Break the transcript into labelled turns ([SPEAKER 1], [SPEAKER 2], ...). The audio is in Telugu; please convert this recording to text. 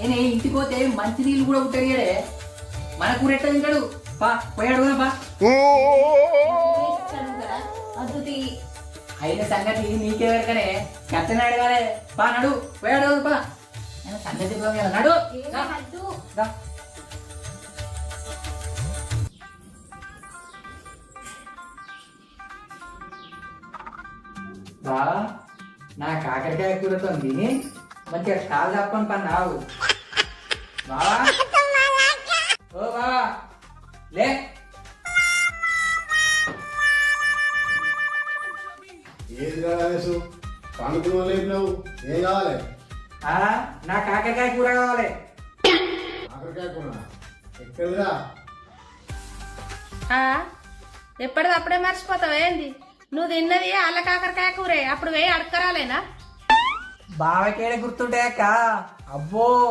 [SPEAKER 1] నేను ఇంటికి పోతే మంచి నీళ్ళు కూడా ఉంటాడే మన కూర ఎట్లా తింటాడు పా పోయాడు పా అయిన సంగతి నీకే వరకనే కట్టనే అడగాలి పా నడు పోయాడు పా సంగతి నడు బా నా కాకరకాయ కూరతో తిని మంచిగా కాలు తప్పని పని నావు బావా ఓ బావా లే
[SPEAKER 2] ఏది కావాలి పండుకున్న లేపినావు ఏం కావాలి
[SPEAKER 1] నా కాకరకాయ కూర కావాలి
[SPEAKER 2] కాకరకాయ కూర ఎక్కడదా
[SPEAKER 3] ఎప్పటిదప్పుడే మర్చిపోతావు ఏంది నువ్వు తిన్నది అల్ల కాకరకాయ కూరే అప్పుడు వేయి అడకరాలేనా
[SPEAKER 1] బావకేడ గుర్తుంటాయక్క అబ్బో